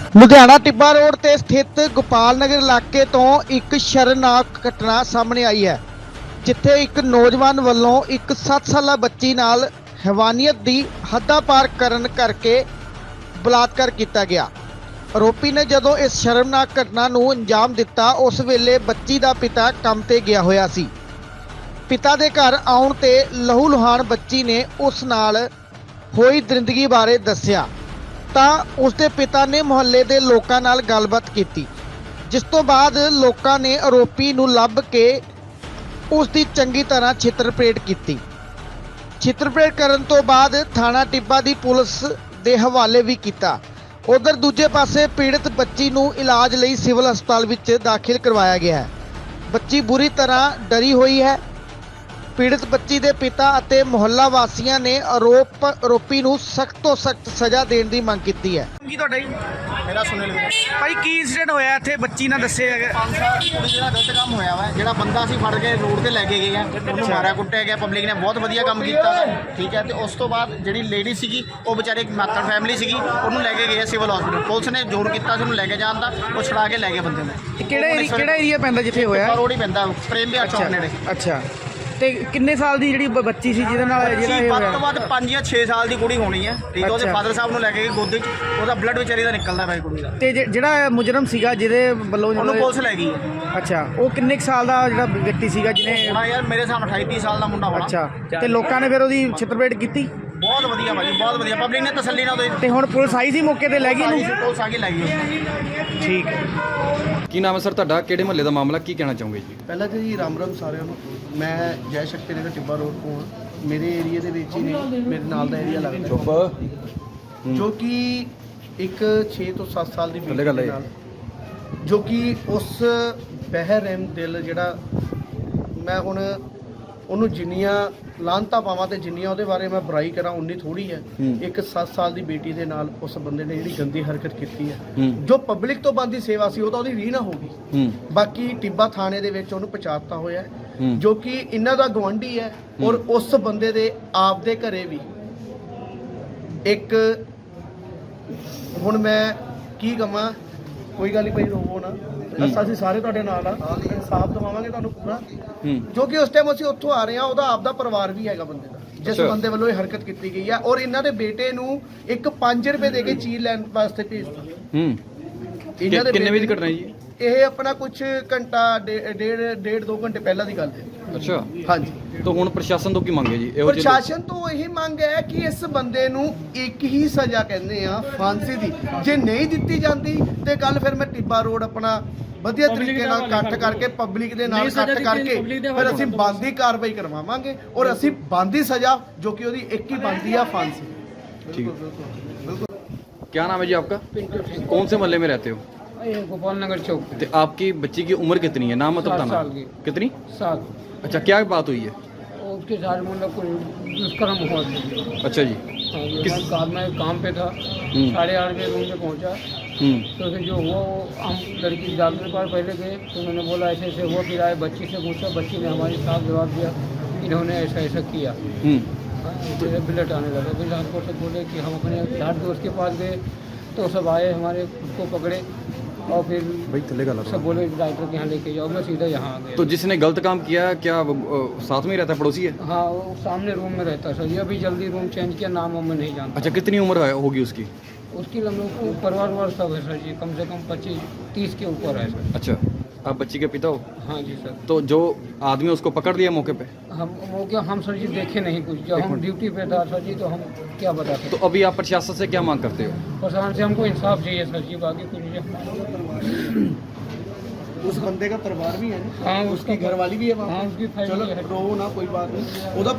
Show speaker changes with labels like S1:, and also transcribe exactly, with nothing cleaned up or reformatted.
S1: ਲੁਧਿਆਣਾ ਟਿੱਬਾ road ਤੇ ਸਥਿਤ ਗੋਪਾਲ ਨਗਰ ਇਲਾਕੇ ਤੋਂ ਇੱਕ ਸ਼ਰਮਨਾਕ ਘਟਨਾ ਸਾਹਮਣੇ ਆਈ ਹੈ, ਜਿੱਥੇ ਇੱਕ ਨੌਜਵਾਨ ਵੱਲੋਂ ਇੱਕ ਸੱਤ ਸਾਲਾ ਬੱਚੀ ਨਾਲ ਹੈਵਾਨੀਅਤ ਦੀ ਹੱਦਾਂ ਪਾਰ ਕਰਨ ਕਰਕੇ ਬਲਾਤਕਾਰ ਕੀਤਾ ਗਿਆ। ਆਰੋਪੀ ਨੇ ਜਦੋਂ ਇਸ ਸ਼ਰਮਨਾਕ ਘਟਨਾ ਨੂੰ ਅੰਜਾਮ ਦਿੱਤਾ, ਉਸ ਵੇਲੇ ਬੱਚੀ ਦਾ ਪਿਤਾ ਕੰਮ ਤੇ ਗਿਆ ਹੋਇਆ ਸੀ। ਪਿਤਾ ਦੇ ਘਰ ਆਉਣ ਤੇ ਲਹੂ ਲੁਹਾਨ ਬੱਚੀ ਨੇ ਉਸ ਨਾਲ ਹੋਈ ਦਰਿੰਦਗੀ ਬਾਰੇ ਦੱਸਿਆ ਤਾਂ ਉਸ ਦੇ ਪਿਤਾ ਨੇ ਮੁਹੱਲੇ ਦੇ ਲੋਕਾਂ ਨਾਲ ਗੱਲਬਾਤ ਕੀਤੀ, ਜਿਸ ਤੋਂ ਬਾਅਦ ਲੋਕਾਂ ਨੇ ਆਰੋਪੀ ਨੂੰ ਲੱਭ ਕੇ ਉਸ ਦੀ ਚੰਗੀ ਤਰ੍ਹਾਂ ਛਿੱਤਰਪਰੇਡ ਕੀਤੀ। ਛਿੱਤਰਪਰੇਡ ਕਰਨ ਤੋਂ ਬਾਅਦ ਥਾਣਾ ਟਿੱਬਾ ਦੀ ਪੁਲਿਸ ਦੇ ਹਵਾਲੇ ਵੀ ਕੀਤਾ। ਉਧਰ ਦੂਜੇ ਪਾਸੇ ਪੀੜਤ ਬੱਚੀ ਨੂੰ ਇਲਾਜ ਲਈ ਸਿਵਲ ਹਸਪਤਾਲ ਵਿੱਚ ਦਾਖਲ ਕਰਵਾਇਆ ਗਿਆ ਹੈ। ਬੱਚੀ ਬੁਰੀ ਤਰ੍ਹਾਂ ਡਰੀ ਹੋਈ ਹੈ। ਪੀੜਤ ਬੱਚੀ ਦੇ ਪਿਤਾ ਅਤੇ ਮੁਹੱਲਾ ਵਾਸੀਆਂ ਨੇ ਆਰੋਪ ਆਰੋਪੀ ਨੂੰ ਸਖਤ ਤੋਂ ਸਖਤ ਸਜ਼ਾ ਦੇਣ ਦੀ ਮੰਗ ਕੀਤੀ ਹੈ।
S2: ਕੀ ਤੁਹਾਡਾ ਜੀ?
S3: ਮੇਰਾ ਸੁਨੀਲ ਵੀਰ
S2: ਭਾਈ ਕੀ ਇੰਸੀਡੈਂਟ ਹੋਇਆ ਇੱਥੇ ਬੱਚੀ ਨਾਲ ਦੱਸੇ ਹੈਗੇ?
S3: ਪੰਜ ਸਾਲ ਕੁੜੀ ਜਿਹੜਾ ਗਲਤ ਕੰਮ ਹੋਇਆ ਵਾ, ਜਿਹੜਾ ਬੰਦਾ ਸੀ ਫੜ ਕੇ ਰੋਡ ਤੇ ਲੈ ਕੇ ਗਏ ਆ, ਉਹਨੂੰ ਮਾਰਿਆ ਕੁੱਟਿਆ ਗਿਆ। ਪਬਲਿਕ ਨੇ ਬਹੁਤ ਵਧੀਆ ਕੰਮ ਕੀਤਾ ਵਾ, ਠੀਕ ਹੈ। ਤੇ ਉਸ ਤੋਂ ਬਾਅਦ ਜਿਹੜੀ ਲੇਡੀ ਸੀਗੀ, ਉਹ ਵਿਚਾਰੇ ਇੱਕ ਮਾਤੜ ਫੈਮਿਲੀ ਸੀਗੀ, ਉਹਨੂੰ ਲੈ ਕੇ ਗਏ ਸਿਵਲ ਹਸਪੀਟਲ। ਪੁਲਿਸ ਨੇ ਜ਼ੋਰ ਕੀਤਾ ਸੀ ਉਹਨੂੰ ਲੈ ਕੇ ਜਾਣ ਦਾ, ਉਹ ਛੁਡਾ ਕੇ ਲੈ ਗਏ ਬੰਦੇ ਨੂੰ।
S2: ਕਿਹੜਾ ਏਰੀਆ ਕਿਹੜਾ ਏਰੀਆ ਪੈਂਦਾ ਜਿੱਥੇ ਹੋਇਆ?
S3: ਰੋਡ ਹੀ ਪੈਂਦਾ, ਪ੍ਰੇਮ ਵਿਹਾਰ ਚੌਕ ਨੇੜੇ।
S2: ਅੱਛਾ, ਤੇ ਕਿੰਨੇ ਸਾਲ ਦੀ ਜਿਹੜੀ ਬ- ਬੱਚੀ ਸੀ ਜਿਹਦੇ ਨਾਲ ਜਿਹੜਾ ਇਹ
S3: ਵੱਧ
S2: ਹੋਇਆ?
S3: ਤੋਂ ਵੱਧ ਪੰਜ ਜਾਂ ਛੇ ਸਾਲ ਦੀ ਕੁੜੀ ਹੋਣੀ ਹੈ, ਠੀਕ ਹੈ। ਉਹਦੇ
S2: ਅੱਛਾ।
S3: ਫਾਦਰ ਸਾਹਿਬ ਨੂੰ ਲੈ ਕੇ ਗਏ ਗੋਦੀ 'ਚ, ਉਹਦਾ ਬਲੱਡ ਵਿਚਾਰੀ ਦਾ ਨਿਕਲਦਾ ਪਿਆ ਕੁੜੀ ਦਾ।
S2: ਤੇ ਜਿ- ਜਿਹੜਾ ਮੁਜਰਮ ਸੀਗਾ ਜਿਹਦੇ ਵੱਲੋਂ
S3: ਉਹਨੂੰ
S2: ਜਿਹੜਾ-
S3: ਪੁਲਿਸ ਲੈ ਗਈ ਹੈ।
S2: ਅੱਛਾ, ਉਹ ਕਿੰਨੇ ਕੁ ਸਾਲ ਦਾ ਜਿਹੜਾ ਵਿਅਕਤੀ ਸੀਗਾ ਜਿਹਨੇ?
S3: ਹਾਂ ਯਾਰ, ਮੇਰੇ ਹਿਸਾਬ ਨਾਲ ਅਠਾਈ ਤੀਹ ਸਾਲ ਦਾ ਮੁੰਡਾ ਹੋਣਾ।
S2: ਅੱਛਾ, ਤੇ ਲੋਕਾਂ ਨੇ ਫਿਰ ਉਹਦੀ ਛਿੱਤਰਪਰੇਡ ਕੀਤੀ?
S3: ਬਹੁਤ ਵਧੀਆ ਭਾਜੀ, ਬਹੁਤ ਵਧੀਆ। ਪਬਲਿਕ ਨੇ ਤਸੱਲੀ ਨਾਲ ਉਹਦੇ
S2: ਤੇ ਹੁਣ ਪੁਲਿਸ ਆਈ ਸੀ ਮੌਕੇ ਤੇ ਲੈ ਗਈ ਇਹਨੂੰ?
S3: ਪੁਲਿਸ ਆ ਕੇ ਲੈ ਗਈ ਉਹਨੂੰ।
S2: ਠੀਕ ਹੈ।
S4: ਕੀ ਨਾਮ ਹੈ ਸਰ ਤੁਹਾਡਾ? ਕਿਹੜੇ ਮਹੱਲੇ ਦਾ ਮਾਮਲਾ, ਕੀ ਕਹਿਣਾ ਚਾਹੋਗੇ ਜੀ?
S5: ਪਹਿਲਾਂ ਤਾਂ ਜੀ ਰਾਮ ਰਾਮ ਸਾਰਿਆਂ ਨੂੰ। ਮੈਂ ਜੈ ਸ਼ਕਤੀ ਨਗਰ ਟਿੱਬਾ ਰੋਡ ਤੋਂ ਹਾਂ। ਮੇਰੇ ਏਰੀਆ ਦੇ ਵਿੱਚ ਹੀ ਨੇ, ਮੇਰੇ ਨਾਲ ਦਾ ਏਰੀਆ ਲੱਗਦਾ,
S4: ਚੁੱਪ।
S5: ਜੋ ਕਿ ਇੱਕ ਛੇ ਤੋਂ ਸੱਤ ਸਾਲ ਦੀ
S4: ਥੱਲੇ
S5: ਬੇਟੀ
S4: ਗੱਲ
S5: ਦੇ
S4: ਹੈ।
S5: ਨਾਲ, ਜੋ ਕਿ ਉਸ ਬਹਿਰਹਿਮ ਦਿਲ ਜਿਹੜਾ, ਮੈਂ ਹੁਣ ਉਹਨੂੰ ਜਿੰਨੀਆਂ ਲਾਂਤਾਂ ਪਾਵਾਂ ਤੇ ਜਿੰਨੀਆਂ ਉਹਦੇ ਬਾਰੇ ਮੈਂ ਬੁਰਾਈ ਕਰਾਂ ਉਨੀ ਥੋੜੀ ਹੈ। ਇੱਕ ਸੱਤ ਸਾਲ ਦੀ ਬੇਟੀ ਦੇ ਨਾਲ ਉਸ ਬੰਦੇ ਨੇ ਜਿਹੜੀ ਗੰਦੀ ਹਰਕਤ ਕੀਤੀ ਹੈ, ਜੋ ਪਬਲਿਕ ਤੋਂ ਬੰਦੀ ਸੇਵਾ ਸੀ, ਉਹ ਤਾਂ ਉਹਦੀ ਰੀਹ ਨਾ ਹੋ ਗਈ। ਬਾਕੀ ਟਿੱਬਾ ਥਾਣੇ ਦੇ ਵਿੱਚ ਉਹਨੂੰ ਪਛਾਣਤਾ ਹੋਇਆ ਹੈ, ਜੋ ਕਿ ਇਹਨਾਂ ਦਾ ਗਵਾਂਢੀ ਹੈ। ਔਰ ਉਸ ਬੰਦੇ ਦੇ ਆਪ ਦੇ ਘਰੇ ਵੀ ਇੱਕ, ਹੁਣ ਮੈਂ ਕੀ ਕਹਾਂ, ਕੋਈ ਗੱਲ ਨਹੀਂ ਭਾਈ, ਰੋਵੋ ਨਾ, ਅਸੀਂ ਸਾਰੇ ਤੁਹਾਡੇ ਨਾਲ ਆ, ਇਨਸਾਫ ਦਵਾਵਾਂਗੇ ਤੁਹਾਨੂੰ ਪੂਰਾ। ਜੋ ਕਿ ਉਸ ਟਾਈਮ ਅਸੀਂ ਉੱਥੋਂ ਆ ਰਹੇ ਹਾਂ, ਉਹਦਾ ਆਪਦਾ ਪਰਿਵਾਰ ਵੀ ਹੈਗਾ ਬੰਦੇ ਦਾ, ਜਿਸ ਬੰਦੇ ਵੱਲੋਂ ਇਹ ਹਰਕਤ ਕੀਤੀ ਗਈ ਹੈ। ਔਰ ਇਹਨਾਂ ਦੇ ਬੇਟੇ ਨੂੰ ਇੱਕ ਪੰਜ ਰੁਪਏ ਦੇ ਕੇ ਚੀਜ਼ ਲੈਣ ਵਾਸਤੇ ਭੇਜਤਾ।
S4: ਹੂੰ,
S5: ਇਹਨਾਂ ਦੇ
S4: ਕਿੰਨੇ ਵਜੇ ਦੀ
S5: ਬੇਟੇ-
S4: ਘਟਨਾ ਹੈ ਜੀ?
S5: ਇਹ ਆਪਣਾ ਕੁਝ ਘੰਟਾ ਡੇ- ਡੇਢ ਡੇਢ ਦੋ ਘੰਟੇ ਪਹਿਲਾਂ ਦੀ ਗੱਲ ਹੈ।
S4: ਅੱਛਾ,
S5: ਹਾਂਜੀ।
S4: ਤਾਂ ਹੁਣ ਪ੍ਰਸ਼ਾਸਨ ਤੋਂ ਕੀ ਮੰਗੇ ਜੀ? ਇਹੋ ਜਿਹੇ
S5: ਪ੍ਰਸ਼ਾਸਨ ਤੋਂ ਇਹੀ ਮੰਗ ਹੈ ਕਿ ਇਸ ਬੰਦੇ ਨੂੰ ਇੱਕ ਹੀ ਸਜ਼ਾ ਕਹਿੰਦੇ ਆ, ਫਾਂਸੀ ਦੀ। ਜੇ ਨਹੀਂ ਦਿੱਤੀ ਜਾਂਦੀ ਤੇ ਕੱਲ ਫਿਰ ਮੈਂ ਟਿੱਬਾ ਰੋਡ ਆਪਣਾ ਵਧੀਆ ਤਰੀਕੇ ਨਾਲ ਇਕੱਠ ਕਰਕੇ, ਪਬਲਿਕ ਦੇ ਨਾਲ ਇਕੱਠ ਕਰਕੇ ਫਿਰ ਅਸੀਂ ਬਣਦੀ ਕਾਰਵਾਈ ਕਰਵਾਵਾਂਗੇ। ਔਰ ਅਸੀਂ ਬਣਦੀ ਸਜ਼ਾ, ਜੋ ਕਿ ਉਹਦੀ ਇੱਕ ਹੀ ਬਣਦੀ ਆ, ਫਾਂਸੀ।
S4: ठीक है। क्या नाम है जी आपका? कौन से मोहल्ले में रहते हो?
S6: ये गोपाल नगर चौक पे।
S4: तो आपकी बच्ची की उम्र कितनी है? नाम मतलब
S6: सात
S4: बताना।
S6: साल की।
S4: कितनी?
S6: सात।
S4: अच्छा, क्या बात हुई है?
S6: और उसके साथ मतलब कोई दुष्कर्म हुआ था।
S4: अच्छा जी।
S6: हाँ, ये
S4: किस-
S6: मैं कार में काम पे था,
S4: हम्म।
S6: साढ़े आठ बजे रूम में पहुंचा।
S4: हम्म।
S6: तो फिर जो हुआ वो हम लड़की डॉक्टर के पास पहले गए, तो उन्होंने बोला ऐसे ऐसे हुआ। फिर आए, बच्ची से पूछा, बच्ची ने हमारे साथ जवाब दिया, इन्होंने ऐसा ऐसा किया।
S4: हम्म।
S6: हाँ, फिर ब्लड आने लगा। फिर हमको सब बोले कि हम अपने लाड दोस्त के पास गए, तो सब आए, हमारे उसको पकड़े और फिर
S4: भाई थल्ले का
S6: सब बोले डॉक्टर के यहाँ लेके जाओ। मैं सीधा यहाँ आ गया।
S4: तो जिसने गलत काम किया, क्या वो, अ, साथ में ही रहता है, पड़ोसी है?
S6: हाँ, वो सामने रूम में रहता सर। ये अभी जल्दी रूम चेंज किया, नाम वाम मैं नहीं जानता।
S4: अच्छा, कितनी उम्र है- होगी उसकी?
S6: उसकी हम लोग को परिवार वार सब है सर जी, कम से कम पच्चीस तीस के ऊपर है सर।
S4: अच्छा, आप बच्ची के पिता हो?
S6: हाँ जी सर।
S4: तो जो आदमी उसको पकड़ दिया मौके पे?
S6: हम वो क्या, हम सर जी देखे नहीं कुछ, जब
S4: एक
S6: हम
S4: मिनट।
S6: ड्यूटी पे था सर जी, तो हम क्या बता सकते।
S4: तो अभी आप प्रशासन से क्या मांग करते हो?
S6: प्रशासन से हमको इंसाफ चाहिए सर जी, बाकी कुछ नहीं।
S5: उस बंदे का परिवार भी है ना,
S6: हाँ,
S5: उसकी
S6: उसका
S5: घरवाली भी है वहाँ
S6: हाँ,
S5: पे।
S6: उसकी
S5: चलो
S6: फैमिली है।
S5: रो ना, कोई बात नहीं। ਉਹਦਾ